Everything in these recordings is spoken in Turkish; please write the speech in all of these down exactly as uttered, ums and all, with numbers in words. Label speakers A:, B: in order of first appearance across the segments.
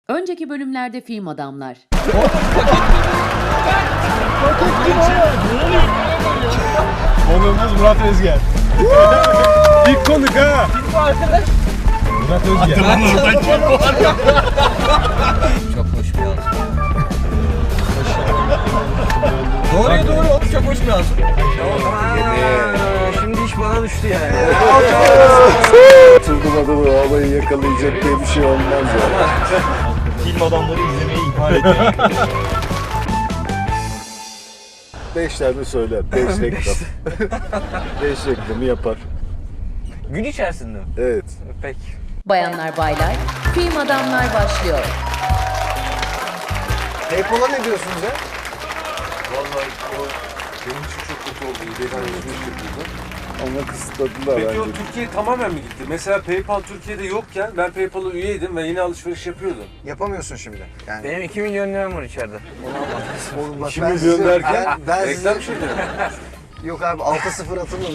A: Önceki bölümlerde film adamlar.
B: Konuğumuz Murat Özger. İlk konuk ha.
C: Kim bu arkadaş?
B: Murat Özger.
C: Çok hoş bir yansım. Doğruya doğru hop çok hoş bir yansım. Şimdi iş bana düştü yani.
D: Turgulada bu olayı yakalayacak diye bir şey olmaz ya.
B: Film adamları izlemeyi ihmal ediyor.
D: Beş tane söyler, beş reklam. Beş reklamı yapar.
C: Gün içerisinde mi?
D: Evet.
C: Peki.
A: Bayanlar baylar, film adamlar başlıyor.
E: Paypal'a ne diyorsunuz ya?
D: Vallahi o benim için çok kötü oldu. İyi Ama kısıtladılar
F: Peki o
D: bence.
F: Türkiye tamamen mi gitti? Mesela PayPal Türkiye'de yokken ben PayPal'a üyeydim ve yine alışveriş yapıyordum.
E: Yapamıyorsun şimdi. Yani.
C: Benim iki milyon liram var içeride.
E: Oğlum bak
F: iki
E: ben
F: milyon
E: size-
F: derken
E: ben, ben size-
F: reklam şeyleri.
E: Yok abi altı sıfır atılmadı.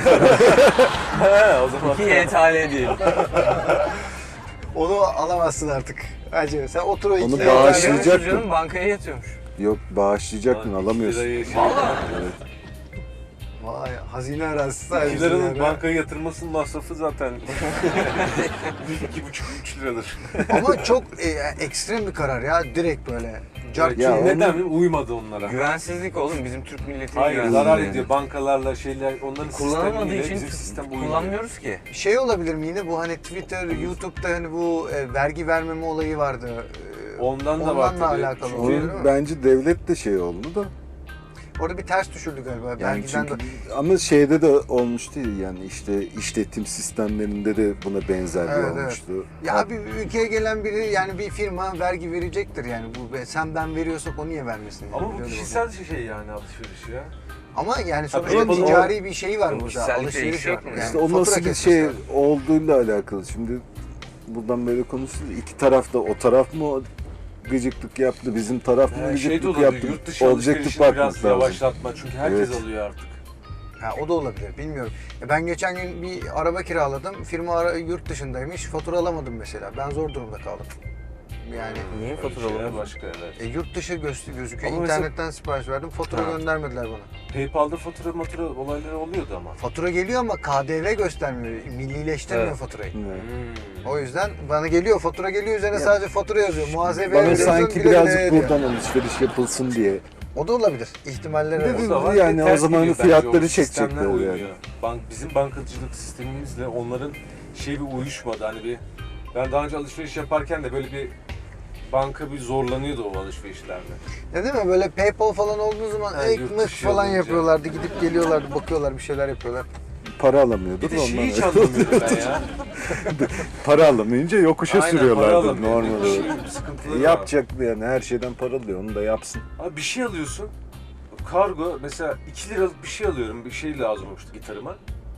F: He o zaman.
C: İki Y T L diyelim.
E: Onu alamazsın artık. Hacı sen otur o iki
D: Onu
E: tane-
D: bağışlayacak mı?
C: Canım bankaya yatıyormuş.
D: Yok bağışlayacak mı? Alamıyorsun.
E: Vay hazine arazisi
F: iki
E: sahibisin
F: liranın
E: yani.
F: bankaya yatırmasının masrafı zaten iki buçuk üç liradır.
E: Ama çok e, ekstrem bir karar ya. Direkt böyle. Cart
D: Ya
E: curt.
D: onu-
F: Neden mi? Uymadı onlara.
C: Güvensizlik oğlum bizim Türk milletinin
F: Hayır
C: güvensizliği.
F: zarar ediyor. Bankalarla şeyler onların
C: Kullanılmadığı
F: sistemiyle
C: için
F: bizim sistem uymuyor.
C: kullanmıyoruz ki.
E: Şey olabilir mi yine bu hani Twitter, YouTube'da hani bu e, vergi vermeme olayı vardı. E,
F: Ondan da var
E: Ondan da
F: tabii.
E: alakalı
F: Çünkü-
E: olabilir
D: Onun
E: mi?
D: bence devlet de şey oldu da.
E: Orada bir ters düşürdü galiba.
D: Yani
E: Vergiden
D: çünkü,
E: de.
D: ama şeyde de olmuştu ya, yani işte işletim sistemlerinde de buna benzer bir
E: Evet, evet.
D: olmuştu.
E: Ya bir ülkeye gelen biri yani bir firma vergi verecektir yani bu sen ben veriyorsak o niye vermesin? Yani?
F: Ama bu
E: Öyle
F: kişisel şey yani alışveriş ya.
E: Ama yani sonuçta
F: yapalım.
E: ticari bir şey var burada.
C: Kişisellik
E: Alışveriş
C: değişecek
E: var.
C: mi?
E: Yani
D: İşte o
E: fatura
D: nasıl bir
E: kesmesi
D: şey
E: lazım.
D: olduğuyla alakalı. Şimdi buradan böyle konuşuyoruz. İki taraf da o taraf mı gıcıklık yaptı, bizim taraf mı
F: Yani şey de
D: gıcıklık
F: olabilir,
D: yaptı?
F: yurt dışı
D: Objektif
F: alışverişini
D: bakmak
F: biraz
D: lazım.
F: yavaşlatma çünkü herkes
D: Evet.
F: alıyor artık.
E: Ha, o da olabilir bilmiyorum. Ya ben geçen gün bir araba kiraladım. Firma ara, yurt dışındaymış. Fatura alamadım mesela. Ben zor durumda kaldım. Yani
C: Niye
F: Öyle
C: fatura
F: şeyler
C: alalım?
F: başka evet.
E: e, yurt dışı göz, gözüküyor.
F: Ama mesela-
E: İnternetten sipariş verdim. Fatura
F: Ha.
E: göndermediler bana.
F: PayPal'da fatura matura olayları oluyordu ama.
E: Fatura geliyor ama K D V göstermiyor. Millileştirmiyor
F: Evet.
E: faturayı.
D: Evet.
F: Hmm.
E: O yüzden bana geliyor fatura geliyor üzerine
D: Ya.
E: sadece fatura yazıyor. Muhasebeye
D: Bana
E: veriyorsun,
D: sanki
E: güle güle
D: birazcık
E: diyor.
D: buradan alışveriş yapılsın diye.
E: O da olabilir. İhtimaller
D: Bir de
E: var.
D: bir-
F: da var.
D: yani o
F: Ters
D: zaman
F: gidiyor bence
D: fiyatları
F: o sistemler
D: çekecekler yani.
F: uymuyor. Bank, bizim bankacılık sistemimizle onların şey bir uyuşmadı. Hani bir ben daha önce alışveriş yaparken de böyle bir banka bir zorlanıyordu o alışverişlerde.
E: Ne değil mi? Böyle PayPal falan olduğu zaman
F: Ha, yurt
E: ekmek
F: dışı
E: falan
F: olunca.
E: yapıyorlardı. Gidip geliyorlardı, bakıyorlar, bir şeyler yapıyorlar.
D: Para alamıyordur
F: Bir de şeyi hiç
D: ondan.
F: anlamıyorum ben ya.
D: Para alamayınca yokuşa
F: Aynen, para
D: sürüyorlardı
F: alamıyor.
D: normal
F: Bir şey,
D: olarak.
F: sıkıntıları var.
D: Yapacak yani, her şeyden para alıyor, onu da yapsın.
F: Abi bir şey alıyorsun. Kargo mesela iki liralık bir şey alıyorum. Bir şey lazım olmuştu gitarıma.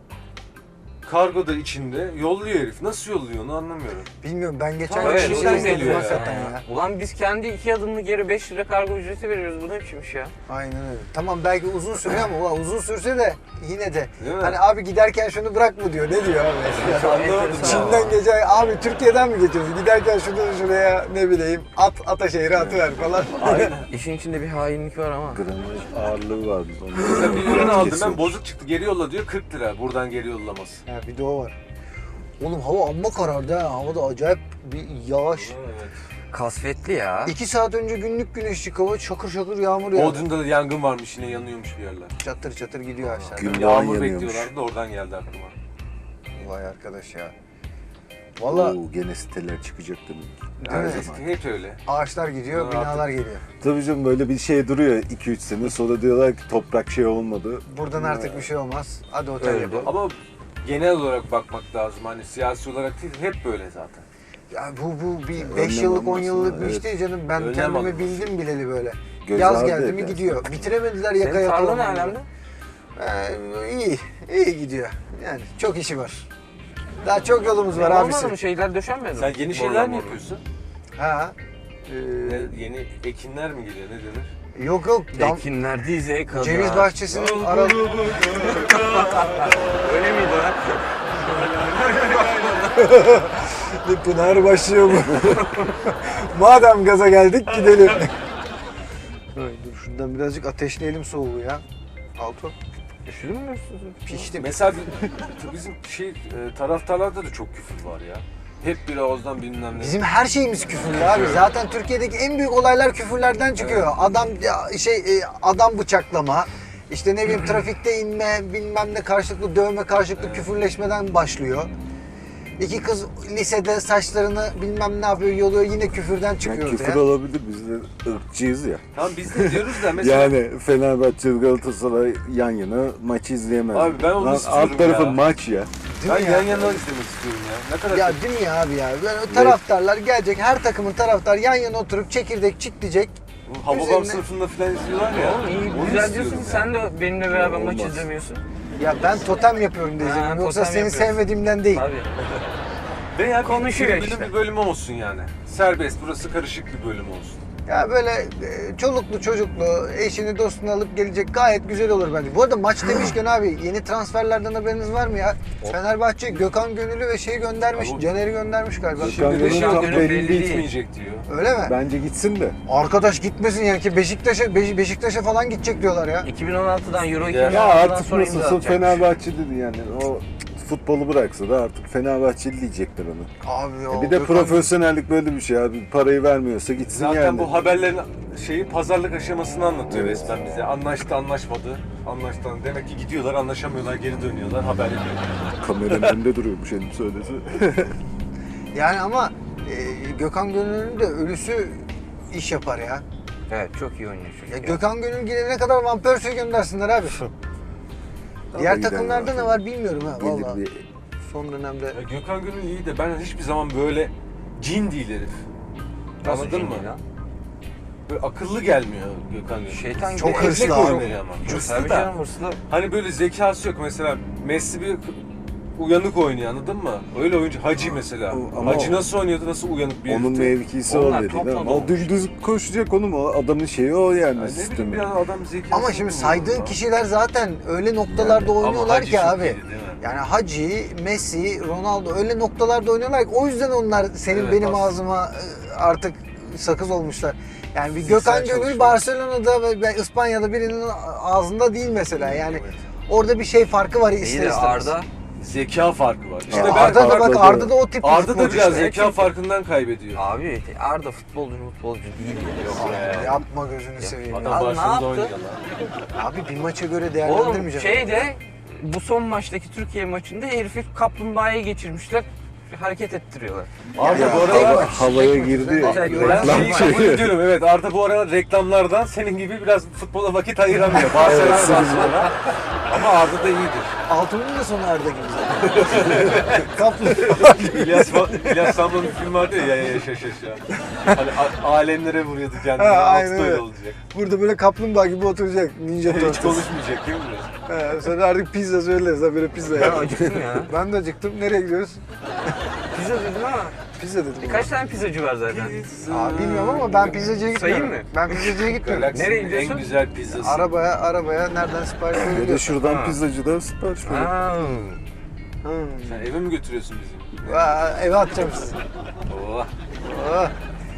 F: Kargo da içinde yolluyor herif. Nasıl yolluyor onu anlamıyorum.
E: Bilmiyorum ben geçen
F: Tamam,
E: gün
C: Evet,
E: şey
F: şeyden
E: izledim
F: geliyor
E: hakikaten
C: ya.
E: ya.
C: Ulan biz kendi iki adımlı geri beş lira kargo ücreti veriyoruz. Bu ne biçim iş ya?
E: Aynen öyle. Tamam belki uzun sürüyor ama ulan uzun sürse de yine de
F: Değil mi?
E: hani abi giderken şunu bırak mı diyor. Ne diyor abi?
F: Hiç anlamadım ya.
E: Çin'den gece abi Türkiye'den mi geçiyorsun? Giderken şunu şuraya ne bileyim at Ataşehir'e atıver falan.
C: İşin içinde bir hainlik var ama.
D: Gramaj ağırlığı vardı.
F: Mesela bir ürün aldım ben
D: Kesiyormuş.
F: bozuk çıktı geri yolla diyor kırk lira buradan geri yollaması.
E: Ha, bir de o var. Oğlum hava amma karardı ha. Havada acayip bir yağış.
F: Evet.
C: Kasvetli ya.
E: İki saat önce günlük güneşlik hava çakır çakır yağmur yağdı.
F: Bodrum'da da yangın varmış yine yanıyormuş bir yerler.
E: Çatır çatır gidiyor aşağıda.
D: Gün-
F: Yağmur
D: yanıyormuş.
F: bekliyorlardı da oradan geldi aklıma.
E: Vay arkadaş ya. Valla
D: Oo, gene siteler çıkacak demek ki.
E: Değil
D: Her
E: mi?
D: zaman.
F: Hep öyle.
E: ağaçlar gidiyor,
F: Ha,
E: binalar
F: artık-
E: geliyor.
D: Tabii canım, böyle bir şey duruyor iki üç sene, sonra diyorlar ki toprak şey olmadı.
E: Buradan artık bir şey olmaz. Hadi otel
D: Öyle.
E: yapalım.
F: Ama genel olarak bakmak lazım. Hani siyasi olarak değil hep böyle zaten.
E: Ya bu bu bir
D: Önlem
E: beş yıllık on
D: alması,
E: yıllık bir
D: evet.
E: iş değil canım. Ben
F: Önlem
E: kendimi
F: alınması.
E: bildim bileli böyle.
D: Göz
E: Yaz
D: ardı
E: geldi mi
D: edersin.
E: gidiyor. Bitiremediler
C: Senin
E: yakaya
C: tarla ne
E: falan.
C: alemde?
E: Ee, iyi, iyi gidiyor. Yani çok işi var. Daha çok yolumuz var
C: Var
E: abisi.
C: mı? Şeyler döşenmedi mi?
F: Sen yeni şeyler
C: Borular,
F: mi
C: borular.
F: yapıyorsun?
E: Ha.
F: Ne,
E: Ee,
F: yeni ekinler mi geliyor ne denir?
E: yok yok. Dam,
C: Ekinler dize kadar.
E: ceviz bahçesinin aralı...
C: Öyle miydi lan?
E: Bir Pınar başlıyor mu? Madem gaza geldik gidelim. Ay, dur şuradan birazcık ateşleyelim soğuğu ya. Alto.
C: Üşüdün mü?
E: Piştim.
F: Mesela bi- bizim şey e, taraftarlarda da çok küfür var ya. Hep bir ağızdan bilmem ne.
E: Bizim her şeyimiz küfürlü abi. Zaten Türkiye'deki en büyük olaylar küfürlerden çıkıyor. Adam ya, şey e, adam bıçaklama, işte ne bileyim trafikte inme, bilmem ne karşılıklı dövme, karşılıklı küfürleşmeden başlıyor. İki kız lisede saçlarını bilmem ne yapıyor, yoluyor, yine küfürden çıkıyor
D: Yani küfür
E: ortaya.
D: olabilir, biz de ırkçıyız ya.
F: Tamam biz de diyoruz da mesela.
D: Yani Fenerbahçe Galatasaray yan yana maçı izleyemez.
F: Abi ben onu
D: Lan
F: istiyorum
D: alt tarafı
F: ya.
D: maç ya.
E: Değil
F: ben
E: mi
F: yan
E: ya?
F: yana izlemek istiyorum ya. Ne kadar
E: Ya
F: çok-
E: değil mi ya abi ya? Böyle taraftarlar gelecek, her takımın taraftar yan yana oturup çekirdek çitleyecek.
F: Hababam
E: üzerine-
F: sınıfında falan izliyorlar ya.
C: Oğlum iyi,
F: Onu
C: güzel
F: istiyorum
C: diyorsun.
F: ya.
C: Sen de benimle beraber maç
D: Olmaz.
C: izlemiyorsun.
E: Ya ben totem yapıyorum diye
C: Ha,
E: izliyorum. Yoksa
C: totem
E: seni
C: yapıyorsun.
E: sevmediğimden değil.
C: Tabii.
F: Veya bir
C: Konuşuyor
F: tribünün
C: işte.
F: bir bölüm olsun yani. Serbest, burası karışık bir bölüm olsun.
E: Ya böyle e, çoluklu çocuklu eşini dostunu alıp gelecek gayet güzel olur bence. Bu arada maç demişken abi yeni transferlerden haberiniz var mı ya? Fenerbahçe Gökhan Gönüllü ve şeyi göndermiş.
F: Abi-
E: Caner'i göndermiş galiba.
D: Gökhan
F: Şimdi de
D: Gönül
F: şey
D: tam
F: yok,
C: Gönül
D: belli
C: belli
D: değil.
C: değil.
F: Bitmeyecek diyor.
E: Öyle mi?
D: Bence gitsin de.
E: Arkadaş gitmesin yani ki Beşiktaş'a Beş- Beşiktaş'a falan gidecek diyorlar ya.
C: iki bin on altıdan Euro
F: Ya
D: Ya
C: iki bin on altıdan
D: artık
C: sonra imza
D: nasılsa
C: atacakmış.
D: Fenerbahçeli yani. O futbolu bıraksa da artık Fenerbahçeli diyecekler onu.
E: Abi ya.
D: E bir de
E: Gökhan-
D: profesyonellik böyle bir şey abi. Parayı vermiyorsa gitsin
F: Zaten
D: yani.
F: bu haberlerin şeyi pazarlık aşamasını anlatıyor
D: Evet.
F: resmen bize. Anlaştı, anlaşmadı. Anlaştı. Demek ki gidiyorlar, anlaşamıyorlar, geri dönüyorlar, haber ediyor.
D: Kameranın önünde duruyormuş elim söylese.
E: Yani ama e, Gökhan Gönüllü'nün de ölüsü iş yapar ya.
C: Evet çok iyi oynuyor çünkü.
E: Ya Gökhan Gönül gidene kadar Van Persie'yi göndersinler abi. Diğer
D: gider
E: takımlarda
D: zaten.
E: ne var bilmiyorum ha
D: Gelir
E: valla.
D: bir-
E: Son dönemde.
F: Ya Gökhan Gönül iyi de ben hiçbir zaman böyle cin değil herif.
C: Nasıl
F: Anladın
C: şimdi
F: mı?
C: lan?
F: Böyle akıllı gelmiyor Gökhan Gönül.
C: Şeytan gibi.
E: Çok
F: Esnek
E: hırslı abi.
F: oynuyor ama. Hırslı
C: Tabii
F: da.
C: canım hırslı.
F: Hani böyle zekası yok mesela. Messi bir uyanık oynuyor anladın mı? Öyle oyuncu Hacı mesela.
D: O- ama
F: Hacı
D: o-
F: nasıl oynuyordu, nasıl uyanık bir
D: Onun
F: herifti.
D: mevkisi
C: Onlar
D: o dedi.
C: top
D: değil mi?
C: adam
D: O dümdüz koşacak onun o adamın şeyi o yani,
F: Yani ne bileyim
D: sistemi.
F: bir adam zekası.
E: Ama şimdi
F: yok
E: saydığın
F: ya.
E: kişiler zaten öyle noktalarda
F: Ama
E: oynuyorlar
F: Hacı
E: ki
F: çok
E: abi.
F: iyiydi, değil mi?
E: Yani Hacı, Messi, Ronaldo öyle noktalarda oynuyorlar ki o yüzden onlar senin
F: Evet,
E: benim
F: aslında.
E: ağzıma e, artık sakız olmuşlar. Yani bir
F: Fiziksel
E: Gökhan Gönül
F: çalışma.
E: Barcelona'da ve ve İspanya'da birinin ağzında değil mesela. Yani
F: Evet.
E: orada bir şey farkı var
C: İyi
E: ister
C: de
E: istemez.
C: Arda.
F: Zeka farkı var. İşte
E: Ya
F: ben
E: Arda da bak
D: Arda-
E: Arda da o tip bir
F: Arda da
E: futbolcu
F: biraz
E: işte.
F: zeka farkından kaybediyor.
C: Abi Arda futbolcu futbolcu değil ya. Yok be.
E: Yapma gözünü seveyim.
F: Adam
E: ya.
C: Abi ne
F: Barcelona'da
C: yaptı?
F: oynuyor lan.
E: Abi bir maça göre
C: Oğlum
E: değerlendirmeyeceğim.
C: şeyde bu son maçtaki Türkiye maçında herifi kaplumbağaya geçirmişler. Hareket ettiriyorlar.
F: Arda
E: Ya,
F: bu
E: tek
F: aralar
E: bak.
D: Havaya
E: Tek
D: girdi.
E: bak.
C: Tek
F: ben
C: bak.
D: Reklam
F: şeyi
D: şeyi.
F: kabul ediyorum evet Arda bu aralar reklamlardan senin gibi biraz futbola vakit ayıramıyor. Barcelona
D: Evet,
F: Barcelona. Ama Arda da iyidir.
E: Altun'un da sonu Arda gibi zaten. Kaplı.
F: İlyas, İlyas Samran'ın film vardı ya, ya ya yaşa yaşa. Hani a- alemlere vuruyordu kendini.
E: Ha,
F: Aynen
E: aynen öyle.
F: öyle olacak.
E: Burada böyle kaplumbağa gibi oturacak Ninja
F: Hiç
E: Turtles.
F: konuşmayacak değil mi?
E: He, sonra artık pizza söyleriz ha böyle pizza
C: Ben
E: ya.
C: acıktım ya.
E: Ben de acıktım. Nereye gidiyoruz?
C: Pizza dedim ama
E: Pizza dedim.
C: birkaç tane pizzacı var zaten.
E: Aa, bilmiyorum ama ben pizzacıya gitmiyorum.
C: Sayayım mı?
E: Ben pizzacıya gitmiyorum.
F: Galaksinin
C: Nereye gidiyorsun?
F: en güzel pizzası.
E: Arabaya, arabaya nereden sipariş
D: Ya da
E: veriyorsun?
D: şuradan
C: Ha.
D: pizzacıda sipariş ver.
C: Aa,
E: Hmm.
F: Sen eve mi götürüyorsun bizi?
E: Aa, eve atacağım sizi.
F: Oh.
E: Oh.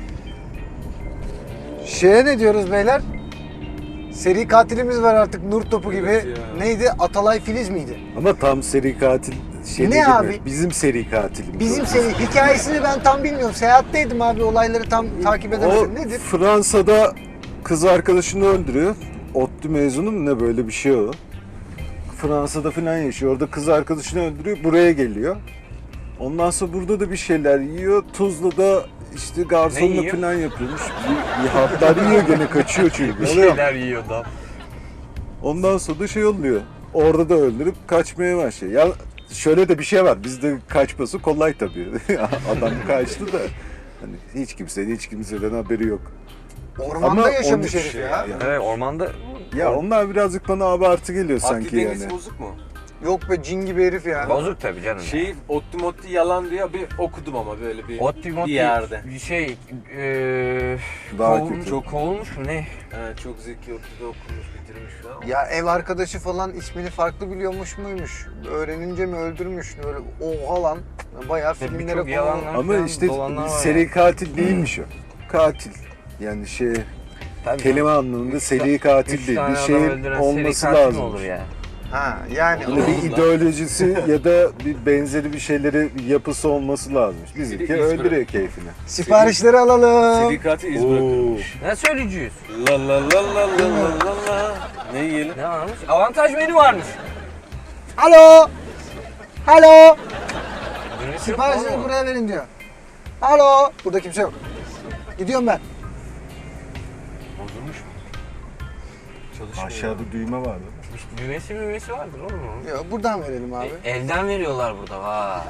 E: Şeye ne diyoruz beyler? Seri katilimiz var artık nur topu gibi.
F: Evet ya.
E: Neydi? Atalay Filiz miydi?
D: Ama tam seri katil şey
E: Ne
D: değil mi?
E: abi?
D: Bizim seri katilimiz.
E: Bizim
D: o.
E: seri hikayesini ben tam bilmiyorum. Seyahatteydim abi olayları tam takip edemedim.
D: O
E: Nedir?
D: Fransa'da kız arkadaşını öldürüyor. ODTÜ mezunu mu ne böyle bir şey o. Fransa'da falan yaşıyor. Orada kız arkadaşını öldürüyor. Buraya geliyor. Ondan sonra burada da bir şeyler yiyor. Tuzla'da işte
C: Ne
D: garsonla
C: yiyor?
D: falan yapıyormuş. Bir, bir hatlar yiyor gene kaçıyor çünkü.
C: bir şeyler yiyor da.
D: Ondan sonra da şey oluyor. Orada da öldürüp kaçmaya başlıyor. Ya şöyle de bir şey var. Bizde kaçması kolay tabii. Adam kaçtı da hani hiç kimsenin hiç kimseden haberi yok.
E: Ormanda
D: Ama
E: yaşamış
D: onun-
E: herif ya.
D: Ya,
C: Evet ormanda
D: ya onlar birazcık bana abartı geliyor
F: Akli
D: sanki
F: dengesi
D: yani.
F: bozuk mu?
E: Yok be, cin gibi herif ya.
C: Bozuk tabii canım.
F: Şeyi Otti Motti yalan diye bir okudum ama böyle bir,
C: Otti Motti
F: bir yerde.
C: şey eee
D: Daha
C: kovulmuş,
D: kötü.
C: çok kovulmuş mu ne?
F: Ha, çok zeki Otti'de okumuş, bitirmiş falan.
E: Ya ev arkadaşı falan ismini farklı biliyormuş muymuş? Öğrenince mi öldürmüş? Böyle oha lan. Bayağı filmlere
C: birçok
E: konu.
C: yalanlar
D: Ama
C: falan
D: işte
C: dolanlar var
D: seri
C: yani.
D: katil değilmiş o. Katil. Yani şey
C: Tabii
D: kelime
C: canım.
D: anlamında
C: Üç
D: seri
C: ta-
D: katil
C: üç
D: değil.
C: tane
D: Bir
C: adam
D: şeyin
C: öldüren
D: olması
C: seri katil mi
D: lazım.
C: olur ya?
E: Ha yani
D: Böyle bir
F: Allah.
D: ideolojisi ya da bir benzeri bir şeyleri yapısı olması lazım. Bizimki
F: iz
D: öldürüyor
F: bırak.
D: keyfini.
E: siparişleri alalım.
F: Seri katil iz bırakılmış.
C: Ne söyleyeceğiz?
F: La la la la la la la la. Ne yiyelim?
C: Ne varmış? Avantaj menü varmış.
E: Alo. Alo.
C: Menüsü yok
E: Siparişleri
C: mu?
E: buraya verin diyor. Alo. Burada kimse yok. Gidiyorum ben.
F: Bozulmuş mu? Çalışmıyor.
D: Aşağıda düğme vardı.
C: Düğmesi müğmesi vardır oğlum onun.
E: Yok, buradan verelim abi.
C: E, elden veriyorlar burada vay.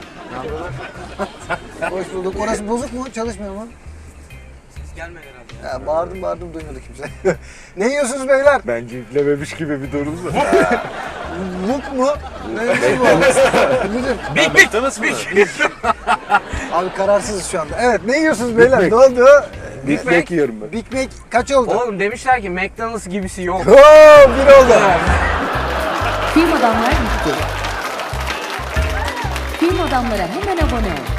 E: Hoş bulduk. Orası bozuk mu? Çalışmıyor mu?
C: Ses gelmedi herhalde.
E: Ya bağırdım bağırdım duymadı kimse. Ne yiyorsunuz beyler?
D: Bence yüklememiş gibi bir durum var.
E: Vuk mu? Ne bir şey bu? Müdür.
C: Big Big Big.
E: Abi kararsızız şu anda. Evet, ne yiyorsunuz beyler?
D: Big
E: Ne oldu?
D: Big Mac yiyorum ben.
E: Big Mac kaç oldu?
C: Oğlum demişler ki McDonald's gibisi yok.
E: Oo, bir oldu.
A: Film Adamlar bitti. Film Adamlara hemen abone ol.